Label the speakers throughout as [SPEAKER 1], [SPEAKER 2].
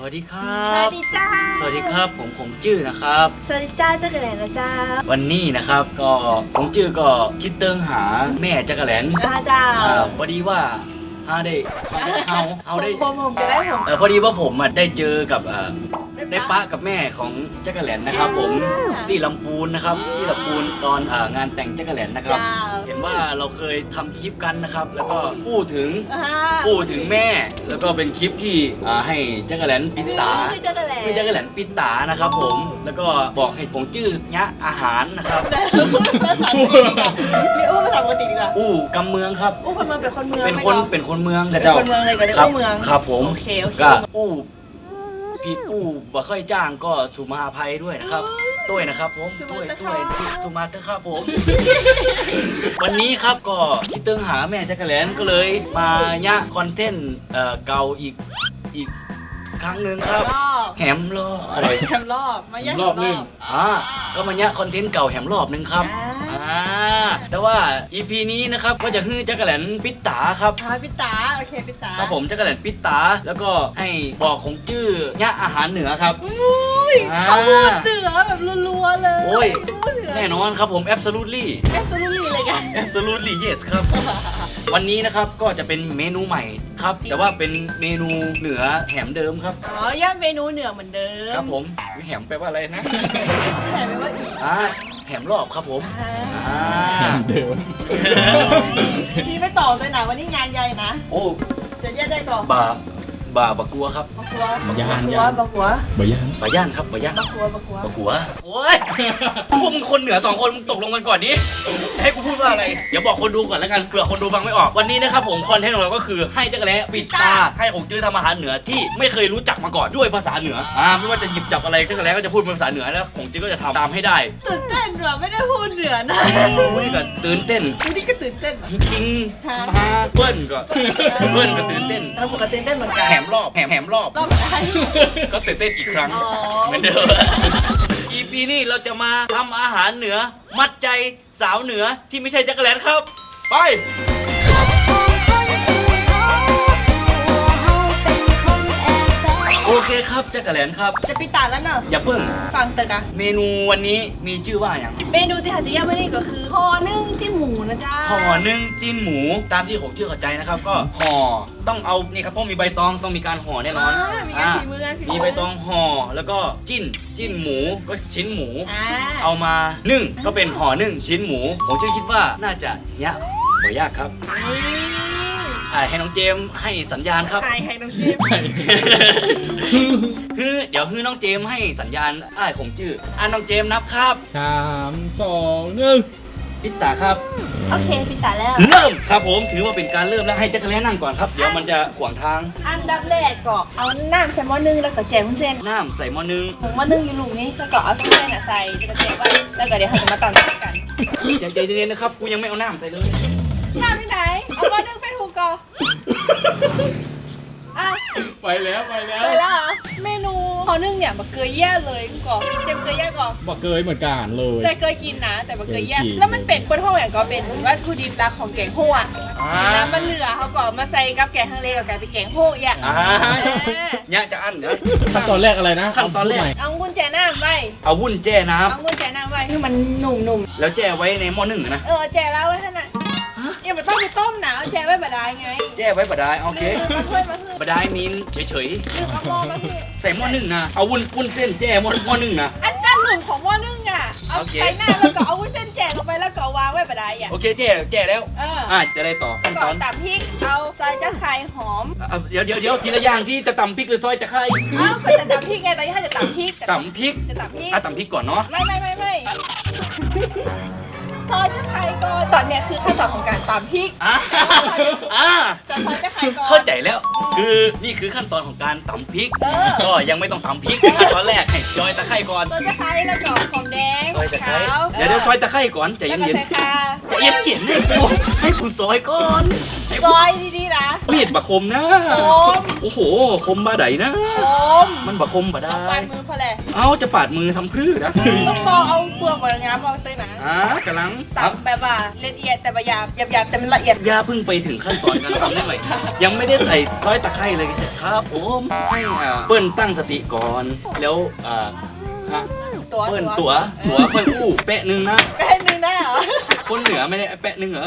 [SPEAKER 1] วัสดีครั
[SPEAKER 2] สวั
[SPEAKER 1] บ
[SPEAKER 2] สดีจ้า
[SPEAKER 1] สวัสดีครับผมจื้อนะครับ
[SPEAKER 2] สวัสดีจ้าเจ้ากระแหลนนะจ้า
[SPEAKER 1] วันนี้นะครับก็ผมจื้อก็คิดเติงหาแม่จักรแหลน
[SPEAKER 2] จ้า
[SPEAKER 1] พอดีว่าฮาได้เอาได้
[SPEAKER 2] ผมจะได้ผม
[SPEAKER 1] พอดีว่าผมได้เจอกับได้ปะกับแม่ของจักรแหลนนะครับผมที่ลำพูนนะครับที่ลำพูนตอนงานแต่งจักรแหลนนะครับ
[SPEAKER 2] จ้า
[SPEAKER 1] เห็นว่าเราเคยทำคลิปกันนะครับ แล้วก็พูดถึงแม่ แล้วก็เป็นคลิปที่ให้จักรแหลนปิดตา
[SPEAKER 2] คือจักรแหลน
[SPEAKER 1] คือจักรแหลนปิดตานะครับผมแล้วก็บอกให้ผมจื้อยะอาหารนะครับ
[SPEAKER 2] มีอู้ภาษาปกติดีกว่า
[SPEAKER 1] อู้กำเมืองครับ
[SPEAKER 2] อู้คนเมืองเป็นคนเมือง
[SPEAKER 1] เป็นคนเมือง
[SPEAKER 2] เป็น
[SPEAKER 1] เจ้า
[SPEAKER 2] คนเมืองเลยก็เรียก
[SPEAKER 1] ครับ
[SPEAKER 2] ว่าเมือง
[SPEAKER 1] ครับผม
[SPEAKER 2] โอเค
[SPEAKER 1] ก็อู้ผิดอู้บ่ค่อยจ้างก็สุมาภัยด้วยนะครับตุ้ยนะครับผมตุ้ยสุมาเตอร์ครับผม วันนี้ครับก็คิดเติงหาแม่จักรแหลนก็เลยมายะคอนเทนต์เก่าอีกครั้งหนึ่งครับ
[SPEAKER 2] รอบ
[SPEAKER 1] แหมรอบอะไร
[SPEAKER 2] แฮมรอบมาแยก
[SPEAKER 3] รอบหนึ่ง
[SPEAKER 1] ก็มายะคอนเทนต์เก่าแหมรอบหนึงครับแต่ว่า EP นี้นะครับก็จะฮื้อจักรแหลนปิดตาครับ
[SPEAKER 2] พิตาโอเคพิตา
[SPEAKER 1] ครับผมจักรแหลนปิดตาแล้วก็ให้บอกของจื้อยะอาหารเหนือครับ
[SPEAKER 2] เขาพูดเหนือแบบรัวๆเลย
[SPEAKER 1] โอ้ย
[SPEAKER 2] พูดเหนือ
[SPEAKER 1] แน่นอนครับผม absolutely
[SPEAKER 2] แอบสู้เลยกัน
[SPEAKER 1] absolutely yes ครับ วันนี้นะครับก็จะเป็นเมนูใหม่ครับ แต่ว่าเป็นเมนูเหนือแหมเดิมครับ
[SPEAKER 2] อ๋อย่าเมนูเหนือเหมือนเดิม
[SPEAKER 1] ครับผมแหมแปลว่าอะไรนะ
[SPEAKER 2] แต่ไม่ว่าอีก
[SPEAKER 1] แหมรอบครับผม
[SPEAKER 3] เหมือนเดิม
[SPEAKER 2] มีไปต่อเลยนะวันนี้งานใหญ่นะ
[SPEAKER 1] โอ้
[SPEAKER 2] จะแยกได้ก่อน
[SPEAKER 1] บากลัวครับ
[SPEAKER 2] บักกัว
[SPEAKER 3] ย่าน
[SPEAKER 2] บักกัว
[SPEAKER 3] บ่ย่าน
[SPEAKER 1] บาย่านครับบาย่าน
[SPEAKER 2] บักกัวบักกัว
[SPEAKER 1] บากลัวโอ้ยพวกมึงคนเหนือ2คนมึงตกลงกันก่อนดิให้กูพูดว่าอะไรเดี๋ยวบอกคนดูก่อนแล้วกันเผื่อคนดูฟังไม่ออกวันนี้นะครับผมคอนเทนต์ของเราก็คือให้จักรแล้ปิดตาให้ของจื้อทำอาหารเหนือที่ไม่เคยรู้จักมาก่อนด้วยภาษาเหนือไม่ว่าจะหยิบจับอะไรจักรแล้ก็จะพูดเป็นภาษาเหนือแล้วของจื้อก็จะทำตามให้ได้
[SPEAKER 2] ตื่นเต้นเหรอไม่ได้พูดเหนือนะ
[SPEAKER 1] วันนี้ก็ตื่นเต้น
[SPEAKER 2] วันนี้ก็ตื่นเต้นเหรอ
[SPEAKER 1] คิงมาเบิ้ลก็ตื่นเต้น
[SPEAKER 2] เราปกติตื่นเต้นเหมือนกัน
[SPEAKER 1] แหมรอบ
[SPEAKER 2] รอบไหน
[SPEAKER 1] ก็ตื่นเต้นอีกครั้ง
[SPEAKER 2] อ๋อ
[SPEAKER 1] เหมือนเดิม EP นี้เราจะมาทำอาหารเหนือมัดใจสาวเหนือที่ไม่ใช่จักรแลนครับ ไป โอเคครับจักรแลนครับ
[SPEAKER 2] จะปิดตาแล้วเนอะ
[SPEAKER 1] อย่าเพิ่ง
[SPEAKER 2] ฟังเตอะกะ
[SPEAKER 1] เมนูวันนี้มีชื่อว่าอย่าง
[SPEAKER 2] เมนูที่หาจะย่างไม่ได้ก็คือห่อนึ่งจิ้มหมูนะจ๊ะ
[SPEAKER 1] ห่อนึ่งจิ้นหมูตามที่ผมชื่อเข้าใจนะครับ ก็ห่อต้องเอานี่ครับเพราะมีใบตองต้องมีการห่อแน่นอน
[SPEAKER 2] มีงานฝีมืองานฝีมื
[SPEAKER 1] มีใบตองห่อแล้วก็จิ้นหมูก็ชิ้นหมู
[SPEAKER 2] อ่า
[SPEAKER 1] เอามานึ่งก็เป็นห่อนึ่งชิ้นหมูผมจะคิดว่าน่าจะยะบ่ยากครับให้น้องเจมส์ให้สัญญาณครับ
[SPEAKER 2] ตายให้น้องจิ้ม
[SPEAKER 1] เดี๋ยวน้องเจมส์ให้สัญญาณของจื้อน้องเจมส์นับครับ
[SPEAKER 3] 3 2 1
[SPEAKER 1] ปิดตาครับ
[SPEAKER 2] โอเคปิดตาแล้ว
[SPEAKER 1] เริ่มครับผมถือว่าเป็นการเริ่มแล้วให้จักรแล้นั่งก่อนครับเดี๋ยวมันจะขวางทาง
[SPEAKER 2] อันดับแรกก็เอาน้ำใส่หม้อนึ่งแล้วก็แจกวุ้นเส้น
[SPEAKER 1] น้ำใส่หม้อนึง
[SPEAKER 2] ผงหม้อนึ่งอยู่ลูกนี้แล้วก็เอาเส้นใส่จะแจกไว้แล้วก็เดี๋ยวเราจะมาตำด้วยกัน
[SPEAKER 1] ใจเย็นๆนะครับกูยังไม่เอาน้ำใส่เลย
[SPEAKER 2] น้ำที่ไหนเอาหม้อนึ่งไปถูกก่อนอ่ะ
[SPEAKER 3] ไปแล้วไปแล้ว
[SPEAKER 2] ไปแล้วเหรอเมนูหม้อนึ่งเนี่ยบะเกยแย่เลยก่อนเต็มเกยแย่ก่อน
[SPEAKER 3] บอกเกยเหมือนกันเลย
[SPEAKER 2] แต่เคยกินนะ แต่บะเกยแย่
[SPEAKER 3] เคยกิน
[SPEAKER 2] แล้วมันเป็นคนห้องอย่างก็เป็นวัตถุดิบหลักของแกงโฮ่อะแล้วมันเหลือเขาก็มาใส่กับแกงฮังเลกับแกงเป็นแกงโฮ่อย่าง
[SPEAKER 1] เนี่ยจะอั้นเดี๋ยว
[SPEAKER 3] ขั้นตอนแรกอะไรนะ
[SPEAKER 1] ขั้นตอนแรก
[SPEAKER 2] เอากุญแจน้ำไว้
[SPEAKER 1] เอาวุ้นแจ้น้
[SPEAKER 2] เอากุญแจน้ำไว้ให้มันหนุ่ม
[SPEAKER 1] ำแล้วแจ้ไว้ในหม้อนึ่งนะ
[SPEAKER 2] ๆแจแล้วไว้ท่านน่ะอย่าไปต้องไปต้มนะเอาแจไว้บดายไง
[SPEAKER 1] แจ้ไว้บดายโอเค
[SPEAKER 2] มาเพื่อนมาเพื่อน
[SPEAKER 1] บดายมีนเฉย
[SPEAKER 2] เอาหม้อมาเพื่อน
[SPEAKER 1] ๆใส่หม้อนึ่งนะเอาวุ้นเส้นแจ้หม้อนึ่งนะ
[SPEAKER 2] อันด้านหนึ่งของหม้อนึ่งอ่ะเอา
[SPEAKER 1] โอเค
[SPEAKER 2] ใส่หน้าแล้วก็เอาวุ้นเส้นแจกลงไปแล้วก็วางไว้บดายอ่ะ
[SPEAKER 1] โอเคแจ้แล้วจะได้ต่อขั้นต
[SPEAKER 2] ก่อ
[SPEAKER 1] อน น
[SPEAKER 2] ตับพริกเอาซอยจะไข่หอม
[SPEAKER 1] เดี๋ยวทีละอย่างที่จะตำพริกหรือซอยจะไข่
[SPEAKER 2] ก็จะตับพริกไงตอนนี้ถ้าจะตับพริก
[SPEAKER 1] ตำพริก
[SPEAKER 2] จะตับพริก
[SPEAKER 1] ตำพริกก่อนเนาะ
[SPEAKER 2] ไม่ซอยจะไข่ก่อนตอนเนี้ยคือขั้นตอนของการตำพริก จะซอยจะไข่ก่อน
[SPEAKER 1] เข้าใจแล้ว คือนี่คือขั้นตอนของการตำพริก ก็ยังไม่ต้องตำพริกขั้นตอนแรกให้ซอยตะไคร้ก่อน
[SPEAKER 2] ซอยจะไข่แล้วก็หอมแดง
[SPEAKER 1] ซอยตะไคร้
[SPEAKER 2] ขาว
[SPEAKER 1] เดี๋ยวซอยตะไคร้ก่อนใจ
[SPEAKER 2] แล้วก็
[SPEAKER 1] เย็น
[SPEAKER 2] ใส่ข่า
[SPEAKER 1] ๆจะเอียดเขียนให้กูซอยก่อนให้
[SPEAKER 2] ซอยดีๆนะ
[SPEAKER 1] มีดบะคมนะ
[SPEAKER 2] คม
[SPEAKER 1] โอ้โหคมบาไดนะ
[SPEAKER 2] คม
[SPEAKER 1] มันบะคมบะได้
[SPEAKER 2] ปลายมือพอแหละ
[SPEAKER 1] เอาจะปาดมือทำพรื้นะ
[SPEAKER 2] ต้องบอกเอาเปลือกมาง้ามเอาตัวนะ
[SPEAKER 1] กำลัง
[SPEAKER 2] ตับแบบว่าละเอียดแต่บะหยาบหยาบแต่มันละเอียด
[SPEAKER 1] ย่าเพิ่งไปถึงขั้นตอนการทำได้ไหมยังไม่ได้ใส่ซอยตะไคร้เลยครับผมให้เปิ้ลตั้งสติก่อนแล้วฮะ
[SPEAKER 2] ตัว
[SPEAKER 1] เปิ้ลตัวค่อยอู้แปะหนึ่งนะ
[SPEAKER 2] แป้นึงได้เหรอ
[SPEAKER 1] คนเหนือไม่ได้แปะหนึ่งเหรอก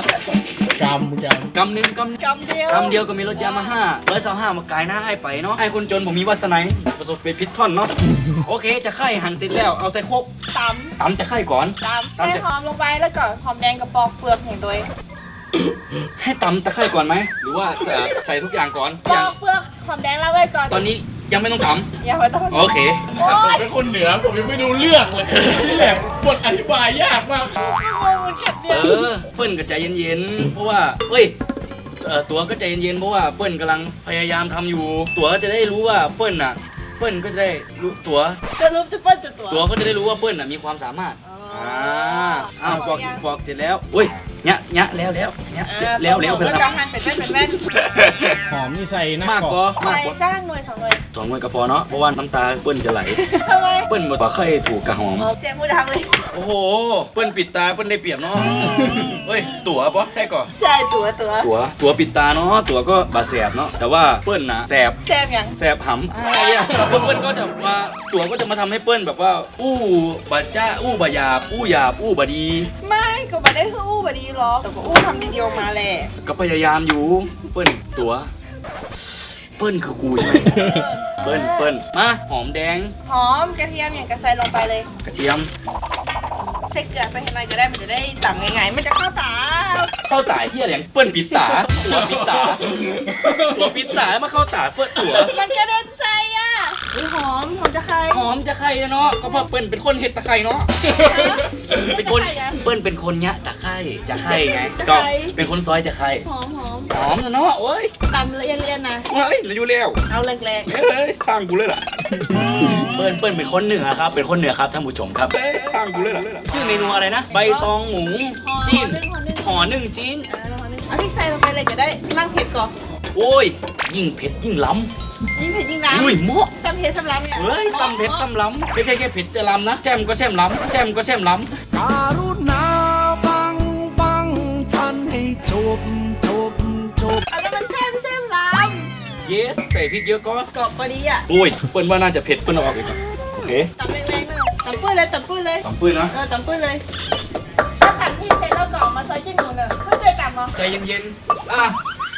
[SPEAKER 3] ำ
[SPEAKER 1] กำหนึ่งกำ
[SPEAKER 2] กำเดียว
[SPEAKER 1] คำเดียวก็มีรถยามา525มากายหน้าให้ไปเนาะให้คนจนผมมีวาสนาประสบเป็นพิษท่อนเนาะโอเคจะไข่หั่นเสร็จแล้วเอาใส่โคก
[SPEAKER 2] ต
[SPEAKER 1] ตำจะไข่ก่อน
[SPEAKER 2] ำใส่หอมลงไปแล้วก็หอมแดงกับปอกเปลือกอย่างตัวเอง
[SPEAKER 1] ให้ตำตะไคร่ก่อนไหมหรือว่าจะใส่ทุกอย่างก่อน
[SPEAKER 2] ปอกเปลือกหอมแดงแล้วไว้ก่อน
[SPEAKER 1] ตอนนี้ยังไม่ต้องต
[SPEAKER 2] อย่าไปต้อง
[SPEAKER 1] ำโอเค
[SPEAKER 2] โอ๊
[SPEAKER 3] ผม
[SPEAKER 2] ย
[SPEAKER 3] เป็นคนเหนือผมยังไม่รู้เรื่องเลยนี่แหละบทอธิบายยากมาก
[SPEAKER 2] มันเข็ดเดี
[SPEAKER 1] เอ
[SPEAKER 2] ยว
[SPEAKER 1] เปิ้ลก็ใจเย็นๆเพราะว่าเอ้ยตัวก็ใจเย็นๆเพราะว่าเปิ้ลกำลังพยายามทำอยู่ ตัวก็จะได้รู้ว่าเปิ้ลก็จะได้รู้ตัว
[SPEAKER 2] จะรูปจะเปิ้ลจะตัว
[SPEAKER 1] ตัวก็จะได้รู้ว่าเปิ้ลมีความสามารถ
[SPEAKER 2] อ๋อ
[SPEAKER 1] อ้าวบอกเสร็จแล้วอุ้ยเนี้ยแล้วเนี้ยเสร็จแล้วไป
[SPEAKER 2] แล้ว
[SPEAKER 1] แล้ว
[SPEAKER 2] ก็หั่นเป็นแว่น
[SPEAKER 3] หอมนี่ใส่หน้าม
[SPEAKER 1] าก
[SPEAKER 3] ก
[SPEAKER 1] ก็
[SPEAKER 3] รอบ
[SPEAKER 2] ๆ
[SPEAKER 1] มาก
[SPEAKER 2] ใส่
[SPEAKER 1] กว่า
[SPEAKER 2] สร้างหน่วย2 หน่วย
[SPEAKER 1] 2 หน่วยก็พอเนาะเพราะว่าน้ำตาเปิ้ลจะไหล
[SPEAKER 2] ทำไม
[SPEAKER 1] เปิ้ลบ่ค่อยถูกกระหอม
[SPEAKER 2] เสียงผู้ดังเลย
[SPEAKER 1] โอ้โหเปิ้ลปิดตาเปิ้ลได้เปรียบเนาะเฮ้ยตั๋วปะได้ก่อน
[SPEAKER 2] ใช่ตัว
[SPEAKER 1] ตั๋วปิดตาเนาะตั๋วก็บาดแสบเนาะแต่ว่าเปิ้ลนะแสบ
[SPEAKER 2] แซมอย่าง
[SPEAKER 1] แสบหำอะไรอ่ะเปิ้ลก็จะมาตั๋วก็จะมาทำให้เปิ้ลแบบว่าอู้บาจ้าอู้บาหยาบอู้หยาบอู้บาดี
[SPEAKER 2] ไม่ก็มาได้คืออู้แบบนี้หรอกแต่ก็อู้ทำดีๆออกมาแหละ
[SPEAKER 1] ก็พยายามอยู่เปิ้ลตั๋วเปิ้ลคือกูใช่ไหมเปิ้ลมาหอมแดง
[SPEAKER 2] หอมกระเทียมอย่างกระใส่ลงไปเลย
[SPEAKER 1] กระเทียม
[SPEAKER 2] ใส่เกลือไปให้หน่อยก็ได้มันจะได้ต่ำง่ายๆมันจะเข้าตา
[SPEAKER 1] เข้าตาเฮียอะไรอย่างเปิ้ลปิดตาตั๋วปิดตาตั๋วปิดตามาเข้าตาเปิ้ลตั๋ว
[SPEAKER 2] มันกระเด็นใส่อ่ะหอมจะใคร
[SPEAKER 1] หอมจะไข่เนาะก็เพราะเปิ้ลเป็นคนเห็ดตะไคร่เนาะเป็นคนเปิ้ลเป็นคนยะตะไคร่จะไข่ไงก็เป็นคนซอยจะไข่
[SPEAKER 2] หอม
[SPEAKER 1] หอมนะเนาะโอ้ย
[SPEAKER 2] ตำละเอียดๆนะ
[SPEAKER 1] เฮ้ยเราอยู่แล้ว
[SPEAKER 2] เอาแรง
[SPEAKER 1] เฮ้ยข้างกูเลยล่ะเปิ้ลเป็นคนเหนือครับเป็นคนเหนือครับท่านผู้ชมครับเฮ้ยข้างกูเลยล่ะชื่อเมนูอะไรนะใบตองหมู
[SPEAKER 2] ๆ
[SPEAKER 1] จีน
[SPEAKER 2] หอม
[SPEAKER 1] ห่อนึ่งจีน
[SPEAKER 2] เอาพริกใส่ลงไปเลยก็ได้ร่างเผ็ดก่อน
[SPEAKER 1] โอ้ยยิ่งเผ็ดยิ่งล้
[SPEAKER 2] ยิ่งเผ็ดยิ่ง
[SPEAKER 1] ำ
[SPEAKER 2] น้ำ
[SPEAKER 1] อุ้ยเหมาะ
[SPEAKER 2] ซ้ำเผ็ดซ้ำล้ำเนี่ย
[SPEAKER 1] เฮ้ยซ้ำเผ็ดซ้ำล้ำไม่ใช่แค่เผ็ดแต่ล้ำนะแช่มก็แช่มล้ำแช่มก็แช่มล้ำ
[SPEAKER 4] การุณาฟังฉันให้จบ
[SPEAKER 2] อันนั้นมันแช่ไม่ใช่ล้
[SPEAKER 1] yes ใส่พริกเยอะก็
[SPEAKER 2] ำกรอบพอดีอ่ะ
[SPEAKER 1] โอ้ยเปิ้ลว่าน่าจะเผ็ดเปิ้ลเอาออกอีกก่อนโอเค
[SPEAKER 2] ตำแรงๆเลยตำปื้นเลย
[SPEAKER 1] ตำปื้นนะ
[SPEAKER 2] ตำปื้นเลยถ้าตำที่เสร็จแล้วก็เอามาซอยจิ้มหมูเนอะเพื่อจะตำมั้ง
[SPEAKER 1] ใจเย็นๆอ่ะ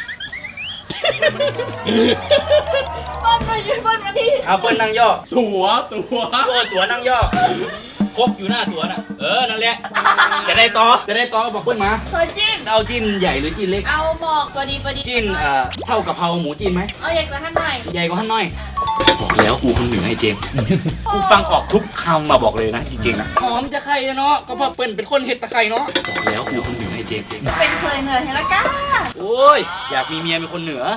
[SPEAKER 2] เปิ้ลมายืนเปิ้ลมาที่
[SPEAKER 1] เอาเปิ้ลนั่งย่อ
[SPEAKER 3] ตัว
[SPEAKER 1] โอ้ตัวนั่งย่อครบอยู่หน้าตัวน่ะนั่นแหละจะได้ต่อบอกเปิ้ลมา
[SPEAKER 2] ซอยจิ้ม
[SPEAKER 1] เอาจิ้นใหญ่หรือจิ้นเล็ก
[SPEAKER 2] เอาหมอกพอดี
[SPEAKER 1] จิ้นเท่ากะเพราหมูจิ้นไหม
[SPEAKER 2] เอาใหญ่กว่าท่านหน่อย
[SPEAKER 1] ใหญ่กว่าท่านน้อยบอกแล้วกูคนเหนือไอ้เจมส์กูฟังออกทุกคำมาบอกเลยนะจริงๆนะหอมจะไข่เนาะก็เพราะเปิ้ลเป็นคนเห็ดตะไคร่เนาะบอกแล้วกูคนเหนือไอ้เจมส์
[SPEAKER 2] เป็นเคยเหนื่อยเห็นแล้วก้า
[SPEAKER 1] โอ้ยอยากมีเมียเป็นคนเหนือ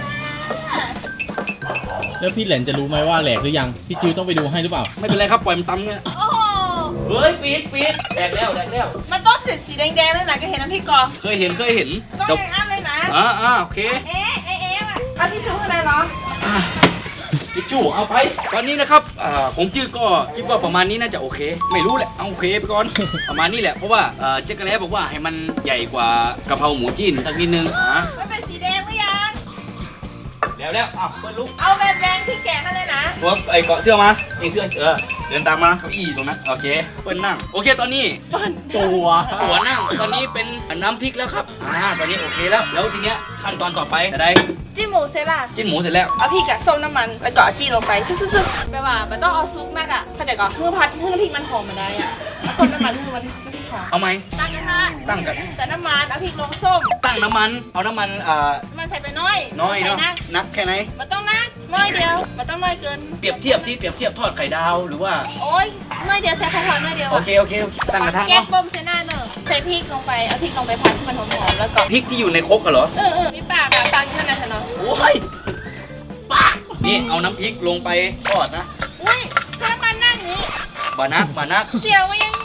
[SPEAKER 3] แล้วพี่แหลนจะรู้ไหมว่าแหลกหรือยัง พี่จิวต้องไปดูให้หรือเปล่า
[SPEAKER 1] ไม่เป็นไรครับปล่อยมันตำเนี่ย
[SPEAKER 2] โอ้โห
[SPEAKER 1] เฮ้ยปีดแดกแล้ว
[SPEAKER 2] มันต้องเสร็จสีแดงๆเลยนะก็เห็นน้ำพริกก่อน
[SPEAKER 1] เคยเห็น
[SPEAKER 2] ต้อง
[SPEAKER 1] แต่
[SPEAKER 2] แดงอันเลยนะ
[SPEAKER 1] โอเค
[SPEAKER 2] เอ๊ะว่ะเอาที่ชูข้างในเหรอ
[SPEAKER 1] ทิชชู่เอาไป ตอนนี้นะครับผมจื้อก็คิดว่าประมาณนี้น่าจะโอเค ไม่รู้แหละเอาโอเคไปก่อน ประมาณนี้แหละเพราะว่าเจ๊กระแลบอกว่าให้มันใหญ่กว่ากะเพราหมูจิ้นสักนิดนึง
[SPEAKER 2] มันเป็นสีแดงหรือยัง
[SPEAKER 1] แล้วอ้าวเปิ้ลลุก
[SPEAKER 2] เอาแบบแดงที่แกะมาเลยนะ
[SPEAKER 1] ตัวไอ้เกาะเสื้อมานี่เสื้อเดินตามมาเก้าอี้ตรงนั้นโอเคเปิ้ลนั่งโอเคตอนนี้ ตัวนั่งตอนนี้เป็นน้ำพริกแล้วครับตอนนี้โอเคแล้วทีเนี้ยขั้นตอนต่อไปจะได้
[SPEAKER 2] จิ้มหมูเสร็จละ
[SPEAKER 1] จิ้นหมูเสร็จแล้ว
[SPEAKER 2] เอาพริกกับส้มน้ำมันแล้วก็เอาจีนลงไปซึ๊บๆแปลว่ามันต้องเอาซุปมากอ่ะเข้าใจก่อนเพื่อพัดเพื่อน้ำพริกมันหอมมาได้อ่ะเอาส้มน้ำมันเพื่อมันน้ำพริกหอม
[SPEAKER 1] เอาไหม
[SPEAKER 2] ตั้งกระทะ
[SPEAKER 1] ตั้งกัน
[SPEAKER 2] ใส่น้ำมันเอาพริกลงส้ม
[SPEAKER 1] ตั้งน้ำมันเอาน้ำมัน
[SPEAKER 2] น้ำมันใส่ไปน้อย
[SPEAKER 1] น้อยเนาะ
[SPEAKER 2] ใส่
[SPEAKER 1] นักแค่ไหน
[SPEAKER 2] มันต้องนักน้อยเดียวมันต้องน้อยเกิน
[SPEAKER 1] เปรียบเทียบทอดไข่ดาวหรือว่า
[SPEAKER 2] โอ๊ยน้อยเดียวใส่ไข่ทอดน้อยเดียว
[SPEAKER 1] โอเคตั้งกระทะ
[SPEAKER 2] แก๊ส
[SPEAKER 1] เนาะ
[SPEAKER 2] บ่มใส่หน้าเนอะใส่พริกลงไปเอาพริกลงไปผัดให้มันหอมๆแล้วก็
[SPEAKER 1] พริกที่อยู่ในครกเหรอ
[SPEAKER 2] มีปากอะปากอยู่ข้างในเนาะ
[SPEAKER 1] โอ้ยป้านี่เอาน้ำพริกลงไปทอดนะ
[SPEAKER 2] อุ้ยถ้ามันนั่งนี้
[SPEAKER 1] บานัก
[SPEAKER 2] เจียวมันยังท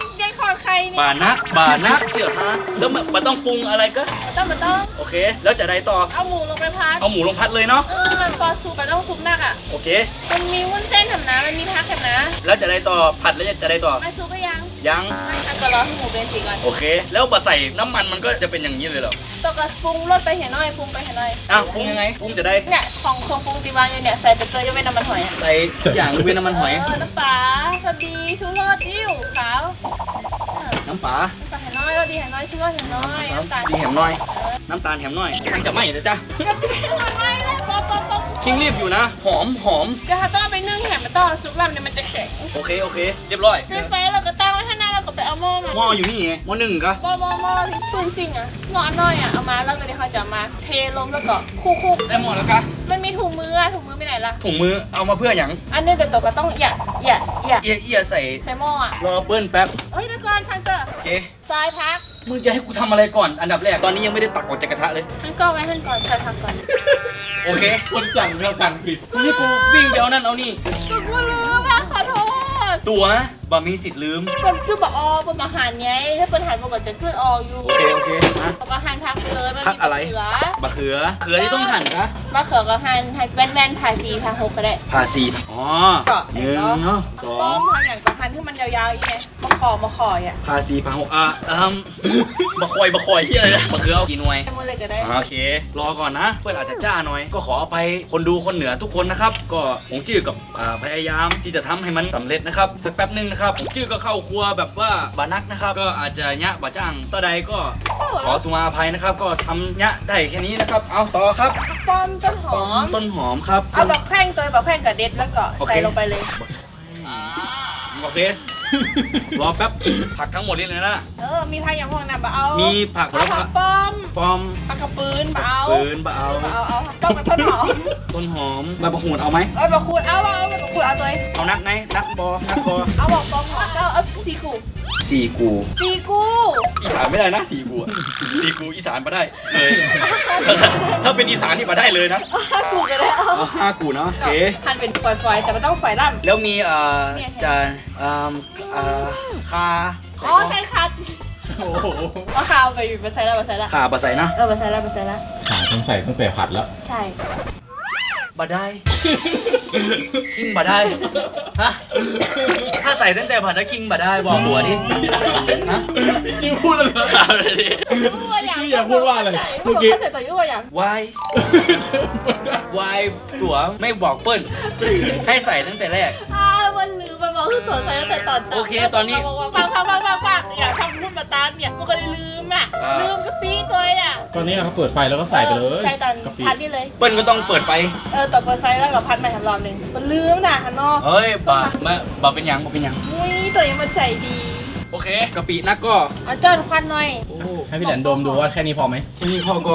[SPEAKER 2] อดไข่นี่
[SPEAKER 1] บานักเจียวฮะแล้วมันต้องปรุงอะไรก็
[SPEAKER 2] มันต้อง
[SPEAKER 1] โอเค แล้วจะได้ต่อ
[SPEAKER 2] เอาหมูลงไปพัด
[SPEAKER 1] เอาหมูลงพัดเลยเนาะ
[SPEAKER 2] มันพอซุปมันต้องซุปหนักอ่ะ
[SPEAKER 1] โอเค
[SPEAKER 2] มันมีวุ้นเส้นทำนะมันมีพักทำนะ
[SPEAKER 1] แล้วจะได้ต่อผัดแล้วจะได้ต่อ
[SPEAKER 2] มาซุปก็ยัง
[SPEAKER 1] ยัง
[SPEAKER 2] อันก็รอให้หมูเป็นสีก่อน
[SPEAKER 1] โอเค แล้วพอใส่น้ำมันมันก็จะเป็นอย่างนี้เลยเหรอ
[SPEAKER 2] ตัวก็ปรุงรสไปเห็นหน่อยปรุงไปเห็นหน่อย
[SPEAKER 1] อ้าวปรุงยังไงปรุงจะได้
[SPEAKER 2] เนี่ยของเครื่องปรุงตีวางอยู่เนี่ยใส่ไปเกลือยกเว้นน้ำมันหอยอ่ะ
[SPEAKER 1] ใส่ทุกอย่างยกเว้นน้ำมันหอย
[SPEAKER 2] น้ำปลาสวัสดีชูรสดิ้วขาว
[SPEAKER 1] น้ำปลา
[SPEAKER 2] น้ำปลาเห็นน้อยรสดีเห็นน้อยชูรสเห็นน้อยน้ำตาล
[SPEAKER 1] ดีแหมน้อย น้ำตาลแหมน้อยมันจะไหม้นะจ๊ะ
[SPEAKER 2] กระเทียมมันไม่เลยป๊อป
[SPEAKER 1] คิงรีบอยู่นะ หอม
[SPEAKER 2] ก็ถ้าต้องไปนึ่งแหมมันต้องเอาซุปลำเนี่ยมันจะแข็ง
[SPEAKER 1] โอเค เรียบร้อย
[SPEAKER 2] ในไฟเราก็ตั้งไว้ข้างหน้าเราก็ไปเอาหม้อมา
[SPEAKER 1] หม้ออยู่นี่ไงหม้อหนึ่งกะ
[SPEAKER 2] หม้อที่ปืนซิ่งอ่ะหม้อน้อยอ่ะเอามาแล้วก็เดี๋ยวเขาจะเอามาเทลงแล้วก็คุก
[SPEAKER 1] ได้หมดแล้วกะ
[SPEAKER 2] มันมีถุงมืออ่ะถุงมือไปไหนล่ะ
[SPEAKER 1] ถุงมือเอามาเพื่ออย่าง
[SPEAKER 2] อันนี้แต่ตัวก็ต้องอย่า
[SPEAKER 1] เอียใส่
[SPEAKER 2] ใส่หม้ออ่ะ
[SPEAKER 1] รอเปิ้ลแป๊บ
[SPEAKER 2] เฮ้ยเดี๋ยวก่อนทันเตอร์
[SPEAKER 1] โอเค
[SPEAKER 2] ทรายพัก
[SPEAKER 1] มึงจะให้กูทำอะไรก่อน อันดับแรก ตอนนี้ยังไม่ได้ตักออกจากกระทะเลย
[SPEAKER 2] ทันก็ไว้ทันก่อนทรายพักก่อน
[SPEAKER 1] โอเค
[SPEAKER 3] คนสั่งเราสั่งผิด
[SPEAKER 1] นี่กูวิ่งไปเอานั่นเอานี่
[SPEAKER 2] กูลืมอ่ะขอโทษ
[SPEAKER 1] ตัวบ่มีสิทธิ์ลืม
[SPEAKER 2] มันคือบอกเป็นอาหารไงถ้าเป็นอาหารปกติจะขึ้นอออยู่
[SPEAKER 1] โอเคนะ
[SPEAKER 2] บอกอาหารพักไปเลยมัน
[SPEAKER 1] พักอะไร
[SPEAKER 2] มีเขือ
[SPEAKER 1] มะเขือที่ต้องหั่นกะ
[SPEAKER 2] มะเขือกับหั่นแว่นๆผ่าสีผ่าหกก็ได้
[SPEAKER 1] ผ่าสีอ๋อ
[SPEAKER 2] เกาะ
[SPEAKER 1] หนึ่งเนาะสอ
[SPEAKER 2] ต้
[SPEAKER 1] ง
[SPEAKER 2] มหั่นอย่างกับหั่นที่มันยาวๆอีกไงมะขออ่ะ
[SPEAKER 1] ผ่าสีผ่าหกบะคอยที่อะไรนะมะเขือเอากี่หน่วย
[SPEAKER 2] ให้มันเลยก็ได้
[SPEAKER 1] โอเค รอก่อนนะ เพื่อนอาจจะจ้าหน่อย ก็ขออภัยคนดูคนเหนือทุกคนนะครับ ก็ผมจื้อกับพยายามที่จะทำให้มันสำเร็จนะครับ สักแป๊บหนึงนะครับผมจื้อก็เข้าครัวแบบว่าบานักนะครับ ก็อาจจะยะบาจ้างต่อใดก็ขอสุมาอภัยนะครับ ก็ทำยะได้แค่นี้นะครับ เอาต่อครับ
[SPEAKER 2] ป้อมต้นหอม
[SPEAKER 1] ต้นหอมครับ
[SPEAKER 2] เอาแบบแข้งตัวแบบแข้งกับเด็ดแล้วก็ใส่ลงไปเลย
[SPEAKER 1] โอเค รอแป๊บ ผักทั้งหมดนี่เลยนะ
[SPEAKER 2] มีผักอย่างพวกนั้นบะเอา
[SPEAKER 1] มีผัก
[SPEAKER 2] เอาผักป้อม
[SPEAKER 1] ปอม
[SPEAKER 2] ผักกระปืนบะเอา
[SPEAKER 1] ปืนบะเอา
[SPEAKER 2] เอาผักป้อมกับต้นหอม
[SPEAKER 1] ต้นหอมใบมะกรูดเอาไหม
[SPEAKER 2] เอาบะขูดเอาตัวเอง
[SPEAKER 1] เอานักไหนนักบอนักบอ
[SPEAKER 2] เอาบอกป้อมหอมเอาซีกู
[SPEAKER 1] สี่กู อีสานไม่ได้นะสี่กูอะสี่กูอีสานมาได้เลย ถ้าเป็นอีสานนี่มาได้เลยนะ
[SPEAKER 2] กูก็ได้เอา
[SPEAKER 1] เอาห้ากูเนาะโอเค
[SPEAKER 2] หั่นเป็นฝอยๆแต่มันต้องฝอยล่ำ
[SPEAKER 1] แล้วมีจานคา
[SPEAKER 2] อ๋อใช่ค่ะ
[SPEAKER 3] โอ้โห
[SPEAKER 2] เอาข้าวไปใส่แล้ว
[SPEAKER 1] ขาบะใส่นะ
[SPEAKER 2] มาใส่แล้ว
[SPEAKER 3] ขาต้องใส่ตั้งแต่ผัดแล้ว
[SPEAKER 2] ใช่
[SPEAKER 1] บะได้คิงบะได้ฮะถ้าใส่ตั้งแต่ผัดแล้วคิงบะได้บอกหัวดิฮะ
[SPEAKER 3] พี่จิ้วพูดอะไร
[SPEAKER 1] เอาเลยดิ
[SPEAKER 3] พี่อยากพูดว่าอะไร
[SPEAKER 2] เมื่อกี้เขาใส่ตัวยุ่งอย่าง
[SPEAKER 1] วายวายตัวไม่บอกเปิ้ลให้ใส่ตั้งแต่แรก
[SPEAKER 2] มันลืมมันบอกคือตัวใส่ตั้งแต่ตอน
[SPEAKER 1] โอเคตอนนี้
[SPEAKER 2] ฟังอย่าทำรุ่นมาตานเนี่ยมันก็เลยลืมอ่ะลืมกะปิตัวอ่ะ
[SPEAKER 3] ตอนนี้เขาเปิดไฟแล้วก็ใส่ไปเลย
[SPEAKER 2] ใส่ตอน
[SPEAKER 3] กะปิ
[SPEAKER 2] พัดนี่เลย
[SPEAKER 1] เปิ้ลก็ต้องเปิดไฟ
[SPEAKER 2] ต่อเปิดไฟแล้วก็พัดใหม่ทำรอบหนึ่งมันลืมนะฮันนอก
[SPEAKER 1] เฮ้ยบะเป็นหยังบะเป็นหยัง
[SPEAKER 2] อุ้ยตัวยังมันใจดี
[SPEAKER 1] โอเคกะปินักก็
[SPEAKER 2] เอาจอนควันหน่อย
[SPEAKER 1] โอ้
[SPEAKER 3] ให้พี่แหลนดมดูว่าแค่นี้พอไหม
[SPEAKER 1] นี่พ่อก็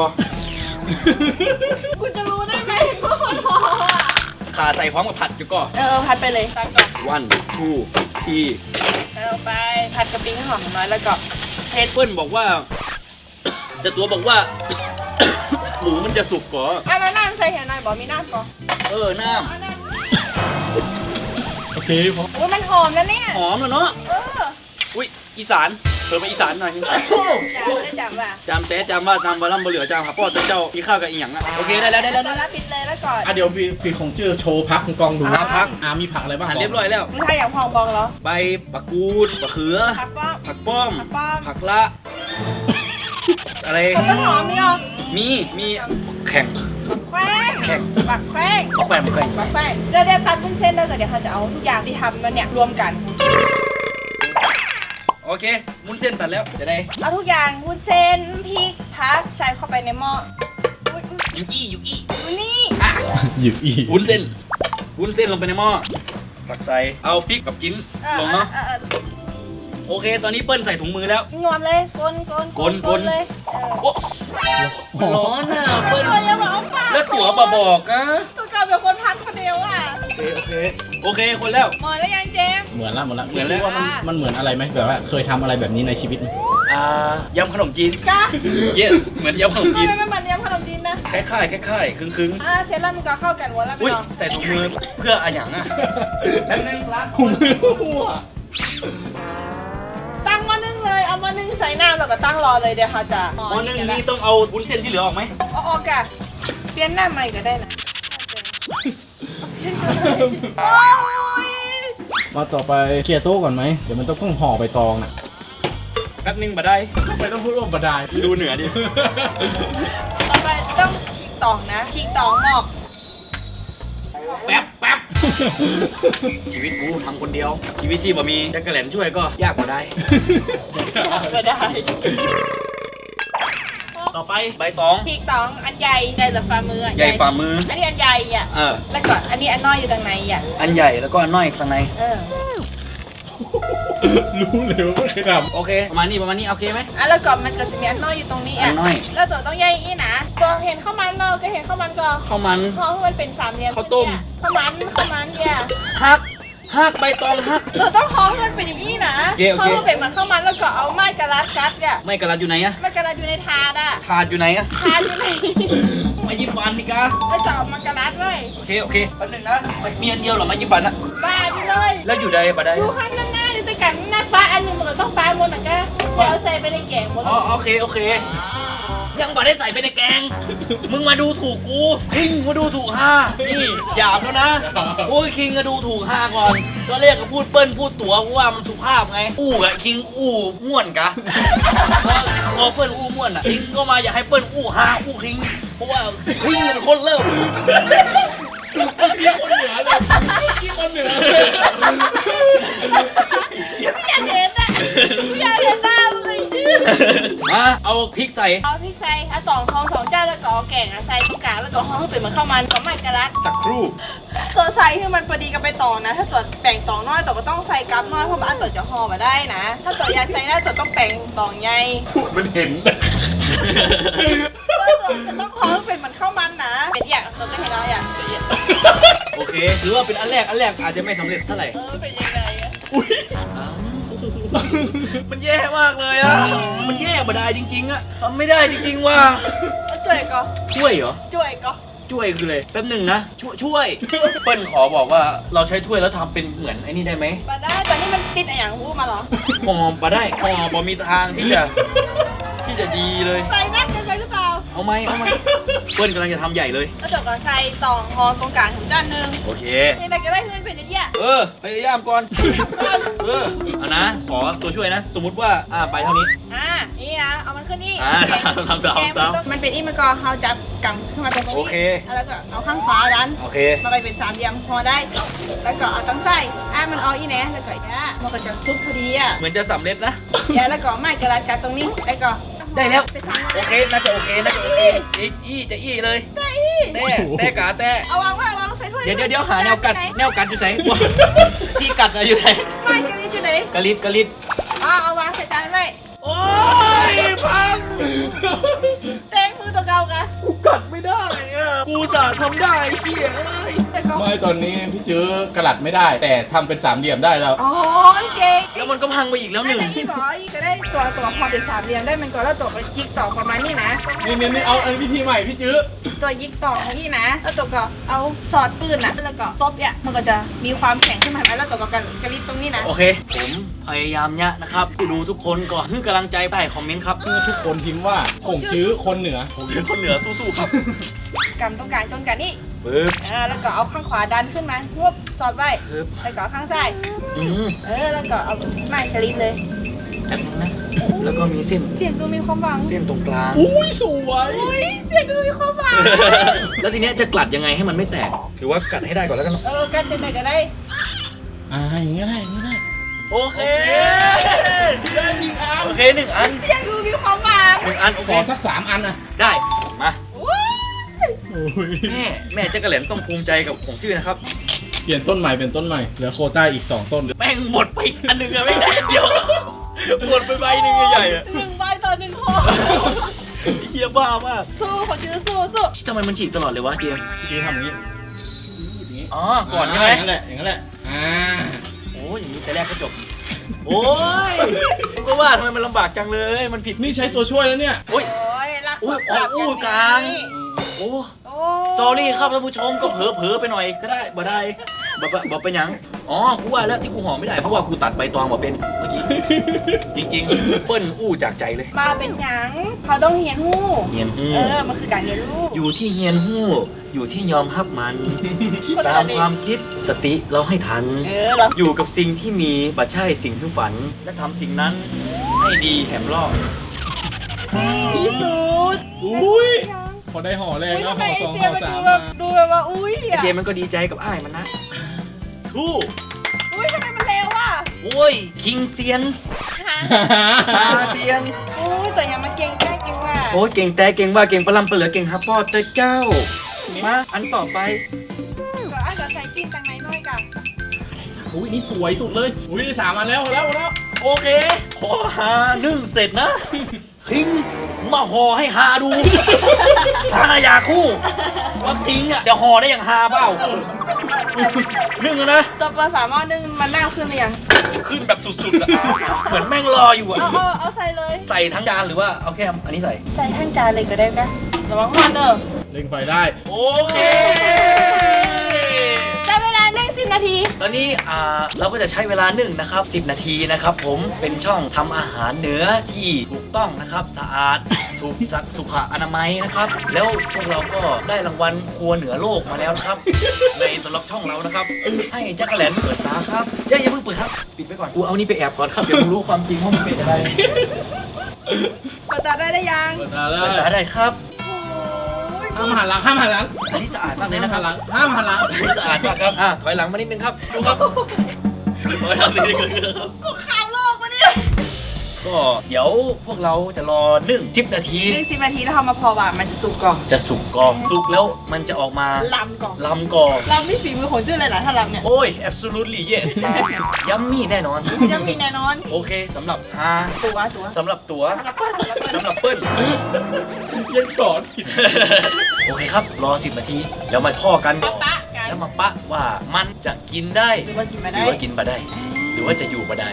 [SPEAKER 2] คุณจะรู้ได้ไหมว่าคนพออ่ะ
[SPEAKER 1] ขาใส่พร้อมกับผัดอยู่ก็
[SPEAKER 2] พัดไปเลยตักก่อน
[SPEAKER 1] วันทูที่
[SPEAKER 2] แล้วไปผัดกะปิให้หอมน้อยแล้วก็เผ็ด
[SPEAKER 1] เปิ้ลบอกว่า แต่ตัวบอกว่า หมูมันจะสุกก่อ
[SPEAKER 2] อันนั้นน้ำใส่เห็นหน่อยบอกมีน้ำก่อน
[SPEAKER 1] น้
[SPEAKER 3] โอเคพอ
[SPEAKER 2] โอ้ยมันหอมนะเนี่ย
[SPEAKER 1] ำหอมแล้วเนาะ
[SPEAKER 2] เ
[SPEAKER 1] อุ้ยอีสานเพิ่มไปอีสานหน่อยนึง
[SPEAKER 2] จ้าได้จำว่ะ
[SPEAKER 1] จำแต่จำว่าจำบะล่ำบะเหลือจำครับพ่อเจ้าพี่ข้าวกับอีหยังอ่ะโอเคได้แล้ว
[SPEAKER 2] ตอนรับปิดเลยแล้วก่อน
[SPEAKER 3] อ่ะเดี๋ยวพี่คงเจอโชว์พักกองดู
[SPEAKER 1] พัก
[SPEAKER 3] มีผักอะไรบ้าง
[SPEAKER 1] เรียบร้อยแล้ว
[SPEAKER 2] มึงทายอย่างพองบองเหรอ
[SPEAKER 1] ใบมะกรูดมะเขือ
[SPEAKER 2] ผักป้อม
[SPEAKER 1] ผักป้อม
[SPEAKER 2] ผักป้อม
[SPEAKER 1] ผักละ อะไร
[SPEAKER 2] ต้นหอมนี่เหรอ
[SPEAKER 1] มีแข่ง
[SPEAKER 2] แควง
[SPEAKER 1] แข่ง
[SPEAKER 2] บักแควง
[SPEAKER 1] มะแขวนมะแขวน
[SPEAKER 2] บักแควงเดี๋ยวตัดวุ้นเส้นแล้วก็เดี๋ยวเขาจะเอาทุกอย่างที่ทำมันเนี่ยรวมกัน
[SPEAKER 1] โอเคมุ้นเส้นตัดแล้วจะได้
[SPEAKER 2] เอาทุกอย่างวุ้นเส้นพริกผักใส่เข้าไปในหม้ออุ๊ย
[SPEAKER 1] อยู่อี้
[SPEAKER 2] ดูนี่
[SPEAKER 3] หยิบอีก
[SPEAKER 1] วุ้นเส้นลงไปในหม้อตักใส่เอาพริกกับจิ้นลงเนาะโอเค ตอนนี้เปิ้ลใส่ถุงมือแล้ว
[SPEAKER 2] งอมเลยกลเลย
[SPEAKER 1] โอ้มันร้อนอ่ะเปิ้ล
[SPEAKER 2] ตัวยังบอกว่า
[SPEAKER 1] แล้วตั๋วมาบอกอ่ะ
[SPEAKER 2] ตัวกลายเป็นคนพันคนเดียวอ่ะ
[SPEAKER 1] โอเคคนแล้ว
[SPEAKER 2] หมดแล้วยังเจมส์
[SPEAKER 3] เหมือนละ
[SPEAKER 1] เหมือนแล้ว
[SPEAKER 3] คิดว่ามันเหมือนอะไรไหมแบบว่าเคยทำอะไรแบบนี้ในชีวิตไหม
[SPEAKER 1] ยำขนมจีน
[SPEAKER 2] จ้า
[SPEAKER 1] yes เหมือนยำขนมจีน
[SPEAKER 2] ทำไมมันเหมือนยำขนมจีนนะ
[SPEAKER 1] คล้ายๆครึ่ง
[SPEAKER 2] เสร็จแล้วมันก็เข้ากันหัวแล้ว
[SPEAKER 1] ๆ
[SPEAKER 2] ไม่
[SPEAKER 1] อุ้ย
[SPEAKER 2] ลอง
[SPEAKER 1] ใส่ถุงมือเพื่ออะไรอย่างอ่ะแป๊บนึงครับ
[SPEAKER 3] ผมไม่รู้อ่ะ
[SPEAKER 2] ตั้งมันหม้อนึ่งใส่น้ำแล้วก็ตั้งรอเลยเดี๋ยวเขาจะ
[SPEAKER 1] หม้อนึ่งนี่ต้องเอาวุ้นเส้นที่เหลือออกไหม
[SPEAKER 2] เอาออกกะเปลี่ยนหน้าใหม่ก็ได้นะโอ้ย
[SPEAKER 3] มาต่อไปเคลียร์โต๊ะก่อนไหมเดี๋ยวมันต้องห่อใบตองน่ะ
[SPEAKER 1] แป๊บนึงมาได้
[SPEAKER 3] ทำไมต้องพูดว่าบดาย
[SPEAKER 1] ดูเหนือดิ
[SPEAKER 2] ต่อไปต้องฉีกตองนะฉีกตองหมอก
[SPEAKER 1] แป๊บแป๊บชีวิตกูทำคนเดียว ชีวิตที่บ่มีจักรแหลนช่วยก็ยากกว่าได้
[SPEAKER 2] ก็ได้
[SPEAKER 1] ต่อไปใบตอง
[SPEAKER 2] ฉีกตองอันใหญ่ใหญ่แบบฝ่ามืออะ
[SPEAKER 1] ใหญ่ฝ่ามือ
[SPEAKER 2] อันนี้อันใหญ่อ่ะ แล้วก็อันนี้อันน้อยอยู่ตรงไหนอ่ะ
[SPEAKER 1] อันใหญ่แล้วก็อันน้อยข้างใน
[SPEAKER 3] รู้เลยว่าไม่เคยท
[SPEAKER 1] โอเค ประมาณนี้โอเคไหม
[SPEAKER 2] แล้วก็มันก็จะมีอันน้อยอยู่ตรงนี้
[SPEAKER 1] อั
[SPEAKER 2] อ่ะ
[SPEAKER 1] นน้อย
[SPEAKER 2] แล้วตัวต้องใหญ่อีนะตัวเห็นข้าวมันเราก็เห็นข้าวมันก็
[SPEAKER 1] ข้าวมัน
[SPEAKER 2] เพราะมันเป็นสามเหลี่ยม
[SPEAKER 1] ข้าวต้ม
[SPEAKER 2] ข้าวมันเนี่ย
[SPEAKER 1] หักใบตองหัก
[SPEAKER 2] เราต้องท้องมันเป็นอย่างนี้นะ
[SPEAKER 1] โอเค
[SPEAKER 2] ท้องมันเป็นเหมือนข้าวมันแล้วก็เอาไม้กระลัดกัดอ่ะ
[SPEAKER 1] ไม่กระลัดอยู่ไหนอะ
[SPEAKER 2] ไม้กระลัดอยู่ในถาดอ่ะ
[SPEAKER 1] ถาดอยู่ไหนอะ
[SPEAKER 2] ถาดอยู่ใน
[SPEAKER 1] มายิบฟันดิกา
[SPEAKER 2] แล้วก็เอามากระลัดไว้
[SPEAKER 1] โอเคแป๊บนึงนะมีอันเดียวเหรอมายิบฟันอะ
[SPEAKER 2] บ้าไปเลย
[SPEAKER 1] แล้วอยู่ใดบ่ได้
[SPEAKER 2] ดูข้างหน้าอยู่แต่กันหน้าฟ้าอันหนึงมันก็ต้องฟ้าหมดเหมือนกันเดี๋ยวเอาใส่ไปในแกงหมด
[SPEAKER 1] อ๋อโอเคยังบ่ได้ใส่ไปในแกง มึงมาดูถูกกูคิงมาดูถูกห้านี่หยาบแล้วนะโอ้ยคิงก็ดูถูกห้าก่อนก็เรียกก็พูดเปิ้ลพูดตัวเพราะว่ามันสุภาพไงอู้กะคิงอู้ม่วนกะพอเปิ้ลอู้ม่วนอ่ะคิงก็มาอยากให้เปิ้ลอู้ห้าอู้คิงเพราะว่าคิงเป็นคนเริ่ม
[SPEAKER 3] ำคนเหนือเลยคนเหนือเลย
[SPEAKER 2] อยากเห็นอ่ะอยากเห็นหน้ามึงเลยจื้อ
[SPEAKER 1] มาเอาพริกใส่
[SPEAKER 2] เอาพริกใส่เอาสองจานแล้วก็เอาแกงอะใส่ตรงกลางแล้วก็ห่อให้เป็นเหมือนข้าวมันก็ไม่กระลัด
[SPEAKER 1] สักครู่
[SPEAKER 2] ตัวใส่ให้มันพอดีกับไปตองนะ ถ้าตัวแป่งตองน้อยตัวก็ต้องใส่กับน้อยเพราะว่าอันตัวจะห่อมาได้นะ ถ้าตัวอยากใส่ได้ตัวต้องแป่งตองใหญ่
[SPEAKER 3] พูดมันเห็น
[SPEAKER 2] แล้วตัวจะต้องห่อให้เป็นเหมือนข้าวมันนะเป็นอย่างตัวก็เห็นแล้วอย่าง
[SPEAKER 1] โอเคถือว่าเป็นอันแรกอาจจะไม่สำเร็จเท่าไหร่
[SPEAKER 2] เป็นยังไงอะ
[SPEAKER 1] มันแย่มากเลยอ่ะมันแย่บ่ได้จริงๆอ่ะทำไม่ได้จริงๆว่า
[SPEAKER 2] แล้วจ่วยก็
[SPEAKER 1] ช่วยเหรอ
[SPEAKER 2] จ่วยก็
[SPEAKER 1] ช่วยคือเลยแป๊บหนึ่งนะช่วยเปิ้ลขอบอกว่าเราใช้ถ้วยแล้วทำเป็นเหมือนไอ้นี่ได้ไหม
[SPEAKER 2] มาได้ตอนนี้มันติดอะไรอย่างพูดมาเหรอ
[SPEAKER 1] ห่อมาได้ห่อบ่มีทางที่จะดีเลย
[SPEAKER 2] ใส่นักจะใส่หรือเปล่า
[SPEAKER 1] เอาไหมเปิ้ลกำลังจะทำใหญ่เลย
[SPEAKER 2] แล้วตัวก็ใส่ตองห่อตรงกลางถึงจานหนึ่ง
[SPEAKER 1] โอเค
[SPEAKER 2] ยังไงก็ได้เงินเป็นอย่างเงี้ย
[SPEAKER 1] พยายามก่อนเอานะขอตัวช่วยนะ สมมุติว่าไปเท่านี้
[SPEAKER 2] นี่นะเอามันขึ้นนี่
[SPEAKER 1] ทำตาม
[SPEAKER 2] มันเป็นอีมันก็เขาจับกังขึ้นมาตรงนี้
[SPEAKER 1] โอเค
[SPEAKER 2] แล้วก็เอาข้างขวาดัน
[SPEAKER 1] โอเค
[SPEAKER 2] มาไปเป็นสามเหลี่ยมพอได้ แล้วก็เอาตั้งไส้มันเอาอีแหนแล้วก็มันก็จะซุปพอดีอ่ะ
[SPEAKER 1] เหมือนจะสำเร็จนะ
[SPEAKER 2] แล้วก็ไม่กระดาษกัดตรงนี้ แล้วก็
[SPEAKER 1] ได้แล้ว
[SPEAKER 2] ไปสาม
[SPEAKER 1] โอเคน่าจะโอเคอี้เลย
[SPEAKER 2] ได้อี
[SPEAKER 1] แต่กาแต่
[SPEAKER 2] เอาวางใส่ถ้วย
[SPEAKER 1] เดี๋ยวหาแนวกัดอยู่ไหนที่กัดอะอยู่ไหน
[SPEAKER 2] ไม่กระลิบอยู่ไหน
[SPEAKER 1] กะลิด
[SPEAKER 2] เอาวางใส่จานไว้
[SPEAKER 1] โอ้ยพัง
[SPEAKER 2] เต้งมือตัวเก่ากัน
[SPEAKER 1] กูกัดไม่ได้อะกูสาทำได้เขี้ย
[SPEAKER 2] แต่ก็
[SPEAKER 3] ไม่ตอนนี้พี่จื้อกระหลัดไม่ได้ แต่ทำเป็นสามเหลี่ยมได้แล้ว
[SPEAKER 2] อ๋อเก่ง
[SPEAKER 1] แล้วมันก็พังไปอีกแล้วหนึ่ง
[SPEAKER 2] อีบอกอีก็ได้ตัวพอเป็นสามเหลี่ยมได้มันก็แล้วตัวก็ยิกต่อประมาณนี้นะ
[SPEAKER 3] นี่เอาอันวิธีใหม่พี่จื้อ
[SPEAKER 2] ตัวยิกต่อของนี่นะ แล้วตัวก็เอาสอดปืนนะแล้วก็ซบเนี่ยมันก็จะมีความแข็งขึ้นมาแล้วตัวก็กระลิบตรงนี้นะ
[SPEAKER 1] โอเค ผมพยายามเนี่ยนะครับผู้ดูทุกคนก็ให้กำลังใจใต้คอมเมนต์ครับ
[SPEAKER 3] ทุกคนพิมพ์ว่าผงจื้อคนเหนือ
[SPEAKER 1] ผมเป็นคนเหนือสู้ๆครับ
[SPEAKER 2] กำตรงกลางจนกันนี่
[SPEAKER 1] ปึ๊บ
[SPEAKER 2] แล้วก็เอาข้างขวาดันขึ้นมาฮวบสอดไว้
[SPEAKER 1] ปึ๊บ
[SPEAKER 2] แล้วก็เอาข้างซ้าย
[SPEAKER 1] อืม
[SPEAKER 2] แล้วก็เอาไม้กระลิบเลย
[SPEAKER 1] แป๊บนึงนะแล้วก็มีเส้น
[SPEAKER 2] เสียงดูมีความหวัง
[SPEAKER 1] เส้นตรงกลาง
[SPEAKER 3] อุ้ยสวย
[SPEAKER 2] อุ้ยเสียงดูมีความหวัง
[SPEAKER 1] แล้วทีเนี้ยจะกลัดยังไงให้มันไม่แตกหรือว่ากัดให้ได้ก่อนแล้วกัน
[SPEAKER 2] กันจะไหนก็ได้
[SPEAKER 3] อย่างนี้ได้อย่างนี้ได้
[SPEAKER 1] โอเคโอเคหนึ่งอัน
[SPEAKER 2] เสียงดูมีความหวัง
[SPEAKER 1] หนึ่งอันโอ
[SPEAKER 3] ข
[SPEAKER 1] เค
[SPEAKER 3] อสัก3 อันนะ
[SPEAKER 1] ได้มา
[SPEAKER 2] ว้าย
[SPEAKER 3] โอ้ย
[SPEAKER 1] แม่จักรแหลมต้องภูมิใจกับผมชื่อนะครับ
[SPEAKER 3] เปลี่ยนต้นใหม่เป็นต้นใหม่เหลือโควต้าอีก2 ต้น
[SPEAKER 1] แม่งหมดไปอันหนึ่งอะไม่ได้อันเดียวหมดไปใบหนึ่งใหญ่ๆอะ
[SPEAKER 2] 1 ใบต่อ 1 ห่อ
[SPEAKER 1] เฮียบ้ามาก
[SPEAKER 2] สู้ขอชื่อสู้
[SPEAKER 1] ทำไมมันฉีกตลอดเลยวะเจมส์
[SPEAKER 3] พี่จื้อทำอย่างนี้
[SPEAKER 1] อ๋อก่อนใช่ไหม
[SPEAKER 3] อย่างนั้นแหละอย่างนั้นแหละ
[SPEAKER 1] โอ้ยอย่างนี้แต่แรกก็จบโอ้ยผมก็ว่าทำไมมันลำบากจังเลยมันผิด
[SPEAKER 3] นี่ใช้ตัวช่วยแล้วเนี่ย
[SPEAKER 1] โอ้ย
[SPEAKER 2] โอ้ยรัก
[SPEAKER 1] อุ้ย
[SPEAKER 2] สด
[SPEAKER 1] อู้กลาง โอ้
[SPEAKER 2] โอ้
[SPEAKER 1] สอรี่ครับท่านผู้ชมก็เผลอๆไปหน่อยก็ได้บ่ได้บ่เป็นหยังอ๋อกูว่าแล้วที่กูห่อไม่ได้เพราะว่ากูตัดใบตองมาเป็นเมื่อกี้ จริงๆเปิ้ลอู้จากใจเลย
[SPEAKER 2] มาเป็นหยังเขาต้องเฮียนหู้
[SPEAKER 1] เฮียนฮู้
[SPEAKER 2] มันคือการเรียนรู้
[SPEAKER 1] อยู่ที่เฮียนฮู้อยู่ที่ยอมรับมัน ตามความคิดสติเราให้ทัน
[SPEAKER 2] เรา
[SPEAKER 1] อยู่กับสิ่งที่มีบัดใช่สิ่งที่ฝัน และทำสิ่งนั้นให้ดีแหมรอบ
[SPEAKER 2] ที่สุด
[SPEAKER 3] อุ้ยพอได้ห่อแรกแล้วห่อสองห่อสามมา
[SPEAKER 2] ดูแบบว่าอุ้ย
[SPEAKER 1] ไอเจมันก็ดีใจกับอ้ายมันนะทู่
[SPEAKER 2] อุ้ยทำไมมันเร็วอ่ะ
[SPEAKER 1] โอ้ยคิงเซียนตาเซียน
[SPEAKER 2] อุ้ยแต่ยังมาเก่งแค่เก่งว่า
[SPEAKER 1] โอ้ยเก่งแต่เก่งว่าเก่งปลาลำปลาเหลือเก่งฮับพ่อเตอเจ้ามาอันต่อไป
[SPEAKER 2] ก็อาจจะใส่จิ้มตังไหนน้อยกัน
[SPEAKER 3] อุ้ยนี่สวยสุดเลยอุ้ยได้3 อันแล้วแล้ว
[SPEAKER 1] โอเคขอหานึ่งเสร็จนะคิงมาห่อให้หาดูหาอยากคู่ว่าคิงอ่ะจะห่อได้อย่างหาเปล่านึ่งแล้วนะ
[SPEAKER 2] ตัวปลาสามารถนึ่งมันนั่งขึ้นหรือยัง
[SPEAKER 1] ขึ้นแบบสุดๆอะเหมือนแม่งรออยู่อะ
[SPEAKER 2] เอาใส่เลย
[SPEAKER 1] ใส่ทั้งจานหรือว่าเอาแค่อันนี้ใส่
[SPEAKER 2] ใส่ทั้งจานเลยก็ได้กันระวังมันเด้อ
[SPEAKER 3] เร่งไฟได้
[SPEAKER 1] โอเค
[SPEAKER 2] ได้เวลานึ่ง10 นาที
[SPEAKER 1] ตอนนี้เราก็จะใช้เวลานึ่งนะครับ10 นาทีนะครับผมเป็นช่องทำอาหารเหนือที่ถูกต้องนะครับสะอาดถูกสุขอนามัยนะครับแล้วพวกเราก็ได้รางวัลครัวเหนือโลกมาแล้วนะครับ ในสำหรับช่องเรานะครับให้จักรแหลนเปิดตาครับอย่าเพิ่งเปิดครับปิดไปก่อนกูเอานี่ไปแอบก่อนครับเดี๋ยวมึงรู้ความจริงว่ามันเป็นอะไร
[SPEAKER 2] เปิดตาได้ยัง
[SPEAKER 3] เปิดตาแล้
[SPEAKER 1] เปิดตาว ได้ครับ
[SPEAKER 3] ห้ามหันหลังห้ามหันหลัง
[SPEAKER 1] อันนี้สะอาดมากเลยนะครับ
[SPEAKER 3] ห้ามหันหลัง
[SPEAKER 1] อันนี้สะอาดมากครับถอยหลังมานิดนึงครับดูครับถอยหลังนิดนึงครับ
[SPEAKER 2] สงครามโลกมาเนี่ย
[SPEAKER 1] ก็เดี๋ยวพวกเราจะรอนึ่ง10 นาที
[SPEAKER 2] นึ่ง10 นาทีแล้วทำมาพอว่ามันจะสุกก่อน
[SPEAKER 1] จะสุกกรอบสุกแล้วมันจะออกมา
[SPEAKER 2] ลำก่อน
[SPEAKER 1] ลำกรอบ
[SPEAKER 2] ลำนี่ฝีมือของจื้อเลยนะถ้าลำเนี่ย
[SPEAKER 1] โอ้ย absolutely yes ยัมมี่แน่นอน
[SPEAKER 2] ยังมีแน่นอน
[SPEAKER 1] โอเคสำหรับฮา
[SPEAKER 2] ตัว
[SPEAKER 1] สำหรับตัว
[SPEAKER 2] สำหรับเปิ้ล
[SPEAKER 1] สำหรับเปิ้ล
[SPEAKER 3] ยังสอนผิด
[SPEAKER 1] โอเคครับ รอ10 นาทีแล้วมาพ่อกัน
[SPEAKER 2] ปะกัน
[SPEAKER 1] แล้วมาปะว่ามันจะกินได้
[SPEAKER 2] หรือว่ากินมา
[SPEAKER 1] ห
[SPEAKER 2] ได้
[SPEAKER 1] รือว่ากินมาได้ หรือว่าจะอยู่มาได้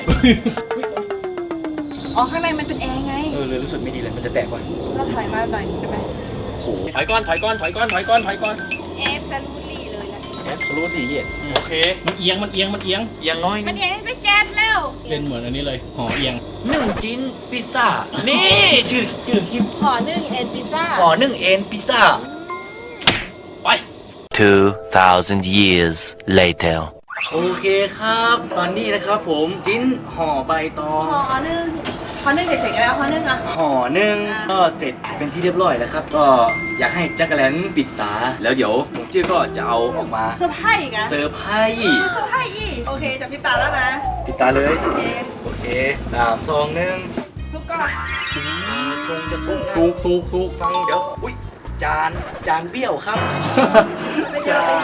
[SPEAKER 2] อ๋อข้างในมันเป็นแอร์ไง
[SPEAKER 1] เลยรู้สึกไม่ดีเลยมันจะแตกก่อน
[SPEAKER 2] เราถอยมาหน่อยได้ไหม
[SPEAKER 1] โหถอยก้อนถอยก้อนถอยก้อนถอยก้อนถอยก้อน
[SPEAKER 2] แอร์ซันบุรีเลยนะ
[SPEAKER 1] absolutely yes โอเค
[SPEAKER 3] มันเอียงมันเอียงมันเอียง
[SPEAKER 1] อย่างน้อย
[SPEAKER 2] มัน
[SPEAKER 1] นี่
[SPEAKER 2] แอร์จะแก๊สแล้ว
[SPEAKER 3] เป็นเหมือนอันนี้เลยห่อเอียง
[SPEAKER 1] นึ่งจิ้นพิซซ่า นี่ชื่อคลิป
[SPEAKER 2] ขอนึ่งเอ็นพิซซ่า
[SPEAKER 1] ห่อนึ่งเอ็นพิซซ่า ไป
[SPEAKER 5] 2,000 years later.
[SPEAKER 1] โอเคครับ ตอนนี้นะครับผมจิ้นห่อใบตอง
[SPEAKER 2] ขอนึ่งเสร็จๆแล้วขอนึ่งอ่ะ
[SPEAKER 1] ห่อนึ่งก็เสร็จเป็นที่เรียบร้อยแล้วครับ ก็อยากให้จักรแลนปิดตา แล้วเดี๋ยวผมจิ้ก็จะเอาออกมา
[SPEAKER 2] เซอร์ไพรส์อีกอะ
[SPEAKER 1] เซอร์ไพรส์
[SPEAKER 2] เซอร์ไพรส์อีกโอเคจับพิตาแล้วนะ
[SPEAKER 1] ปิดตาเลย
[SPEAKER 2] โอเค
[SPEAKER 1] โอเค3 2 1
[SPEAKER 2] ซุปก่อน
[SPEAKER 1] ทรงจะสุกสุกฟังเดี๋ยว อุ้ยจานเบี้ยวครับ จาน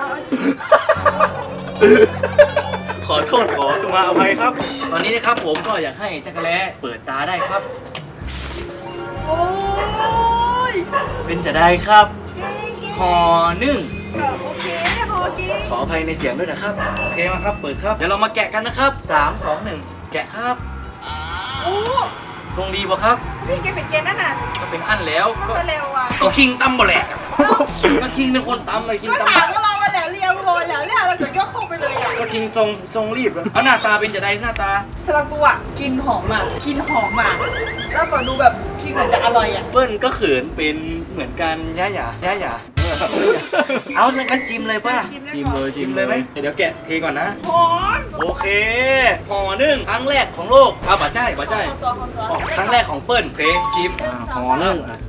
[SPEAKER 1] ขอโทษขอสุมาอภัยครับ ตอนนี้นะครับผมก็อยากให้จักรแล้เปิดตาได้ครับ
[SPEAKER 2] โอ้ย
[SPEAKER 1] เป็นจะได้ครับห่อนึ่ง
[SPEAKER 2] โอเคพอกิน
[SPEAKER 1] ขออภัยในเสียงด้วยนะครับ โอเคมาครับ เปิดครับ เดี๋ยวเรามาแกะกันนะครับ3 2 1 แกะครับ
[SPEAKER 2] โอ้
[SPEAKER 1] ทรงดีป่ะครับ
[SPEAKER 2] พี่แกเป็นเกณฑ์นั่นน่ะ
[SPEAKER 1] ก็เป็นอันแล้ว
[SPEAKER 2] มัน
[SPEAKER 1] ก็
[SPEAKER 2] ก็เร็วอ่ะ
[SPEAKER 1] ก็คิงตั้มบ่แหละก็คิงเป็นคนตั้มเลยคิง
[SPEAKER 2] ก็
[SPEAKER 1] ตั้ม
[SPEAKER 2] ถามว่าเรามาแล้วเรียวโรยแล้วเนี่ยเราเกิดยกเข้าไปเลยอ่ะ
[SPEAKER 1] ก็คิงทรงรีบเอาหน้าตาเป็นจะได้หน้าตา
[SPEAKER 2] สำหรับกูอ่ะกินหอมอ่ะกินหอมอ่ะแล้วก็ดูแบบกินเหมือนจะอร่อยอ่ะ
[SPEAKER 1] เปิ้ลก็เขินเป็นเหมือนกันย่าหยาเอางั้นจิ้มเลยป่ะจิ้มเลยไหมเดี๋ยวแกะเทก่อนนะ
[SPEAKER 2] หอม
[SPEAKER 1] โอเคห่อนึ่งครั้งแรกของโลกเอาบ่าใจบ่าใจ
[SPEAKER 2] ตัว
[SPEAKER 1] ครั้งแรกของเปิ้ลโอเคชิม
[SPEAKER 3] ห่อเรื่องอ่ะ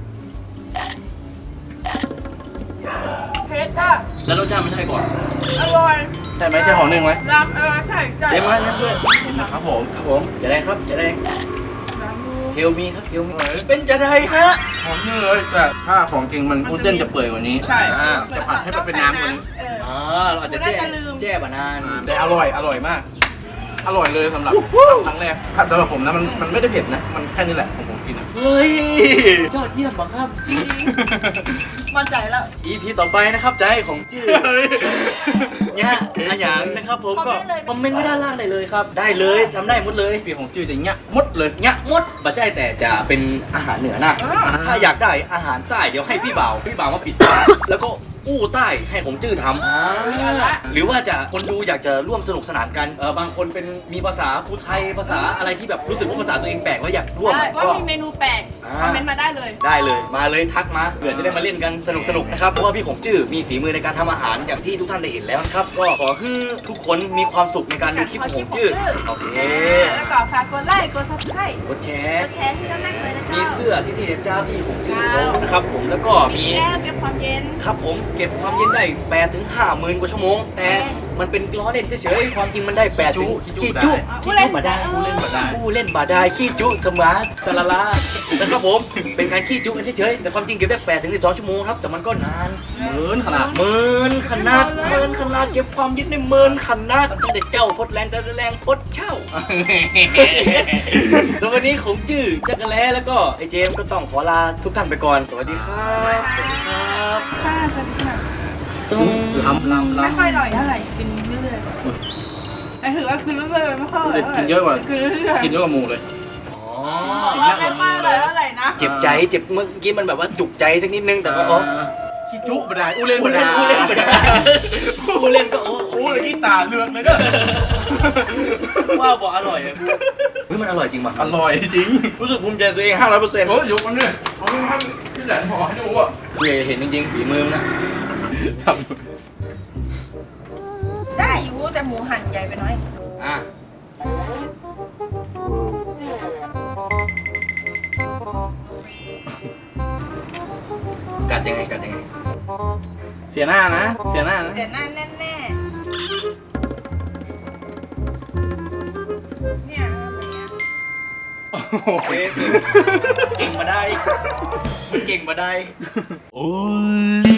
[SPEAKER 2] เพชรอ่ะ
[SPEAKER 1] แล้วรสชาติมันใช่ก่อน
[SPEAKER 2] อร่อย
[SPEAKER 1] ใช่ไหมใช่ห่อนึ่งไหม
[SPEAKER 2] รำใช่ใช่
[SPEAKER 1] เต็มมานั่นด้วยครับผมจะได้ครับจะได้เทลมีครับเทลมีเป็นจะได้ฮะ
[SPEAKER 3] หอมนี่เลยแต่ถ้าของจริงมันวุ้นเส้นจะเปื่อยกว่านี้
[SPEAKER 2] ใช่
[SPEAKER 3] จะผัดให้มันเป็นน้ำกว่านี้
[SPEAKER 1] เราอาจจะแจ้บานาน
[SPEAKER 3] แต่อร่อยมาก อร่อยเลยสำหรับครั้งแรกสำหรับผมนะมันไม่ได้เผ็ดนะ มันแค่นี้แหละของผมกินอ่ะ
[SPEAKER 1] เฮ้ยยอดเยี่ยมบังครับ
[SPEAKER 2] จริงมั่นใจแล้ว
[SPEAKER 1] EP ต่อไปนะครับจะให้ของจื้อเนี่ยอาหยางนะครับผมก็คอมเมนต์ไว้ด้านล่างได้เลยครับ ได้เลยทำได้หมดเลย
[SPEAKER 3] พี่ของจื้อจะเงี้ยมดเลย
[SPEAKER 1] เนี่ยหมดบัจใจแต่จะเป็นอาหารเหนือนะถ้าอยากได้อาหารใต้เดี๋ยวให้พี่บ่าวมาปิดตาแล้วก็อู้ใต้ให้ผมจื้อทำหรือว่าจะคนดูอยากจะร่วมสนุกสนานกันบางคนเป็นมีภาษาภูไทยภาษาอะไรที่แบบรู้สึกว่าภาษาตัวเองแปลกแล้วอยากร่วม
[SPEAKER 2] ได้ว่า
[SPEAKER 1] ก็
[SPEAKER 2] มีเมนูแปลกคอมเมนต์มาได้เลย
[SPEAKER 1] ได้เลยมาเลยทักมาเผื่อจะได้มาเล่นกันสนุกๆนะครับเพราะว่าพี่ของจื้อมีฝีมือในการทำอาหารอย่างที่ทุกท่านได้เห็นแล้วนะครับก็ขอให้ทุกคนมีความสุขในการดูคลิปของจื้อโอเค
[SPEAKER 2] แล้วก็ฝากกดไลค์กดซับสไครต์
[SPEAKER 1] กดแช
[SPEAKER 2] ก
[SPEAKER 1] ร์
[SPEAKER 2] ดแชร์ที่ด้านล่างเลยนะ
[SPEAKER 1] มี
[SPEAKER 2] เจ้า
[SPEAKER 1] เสื้อที่เจ้าที่ของจื้อนะครับผมแล้วก็มี
[SPEAKER 2] แก้วเก็บความเย็น
[SPEAKER 1] ครับผมเก็บความเย็นได้8 ถึง 50,000 กว่าชั่วโมง แต่มันเป็นล้อเล่นเฉยๆความจริงมันได้8 ถึงขี้จุมาได้ผู้เล่นบาได้ขี้จุสมาร์ทตะละลานะครับผมเป็นการขี้จุกันเฉยๆแต่ความจริงเก็บได้8 ถึง 12 ชั่วโมงครับแต่มันก็นานเมินขนาดเก็บความเย็นได้เมินขนาดตั้งแต่เจ้าพดแรงแต่แรงพดเช่าแล้ววันนี้ของจื้อจักรแล้แล้วก็ไอเจมส์ก็ต้องขอลาทุกท่านไปก่อนสวัสดีครับสวัสดีครับ
[SPEAKER 2] ค่ะสวัสดีค่ะ
[SPEAKER 3] ล้ำ
[SPEAKER 2] ไม่ค่อยอร่อยเท่าไหร่กินเรื่อยๆแต่ถือว่ากินเรื่อยๆไม่ค่อยอร่อยเท่าไหร่
[SPEAKER 3] กินเยอะกว่า
[SPEAKER 2] กินเรื่อยๆ
[SPEAKER 3] กินเยอะกว่าหมูเลย
[SPEAKER 2] ว่าไม่ค่อยอร่อยเท่าไหร่นะ
[SPEAKER 1] เจ็บใจเจ็บเมื่อกี้มันแบบว่าจุกใจสักนิดนึงแต่ว่าอ๋อ
[SPEAKER 3] ขี้จุบได้อู้เล่น
[SPEAKER 1] ผู้เล่นก็โอ้
[SPEAKER 3] อู้เลยขี้ตาเลือกเลยเด้อ
[SPEAKER 1] ว่าบอกอร่อยอะเฮ้ยมันอร่อยจริงป่ะ
[SPEAKER 3] อร่อยจริงรู้สึกภูมิใจตัวเอง500%โอ้ยยกมันเนี่ยเขาทำที่แหลมหอให้ดูอ่ะ
[SPEAKER 1] เห็นจริงๆฝีมือนะ
[SPEAKER 2] ได้อยู่แต่หมูหั่นใหญ่ไปหน่อย
[SPEAKER 1] อ่ะกัดยังไง
[SPEAKER 3] เสียหน้านะ
[SPEAKER 2] เดี๋ยวหน้าแน่ๆเนี่ยอะไรเงี้ย
[SPEAKER 1] โอเคเก่งมาได้ เก่งมาได้
[SPEAKER 4] Only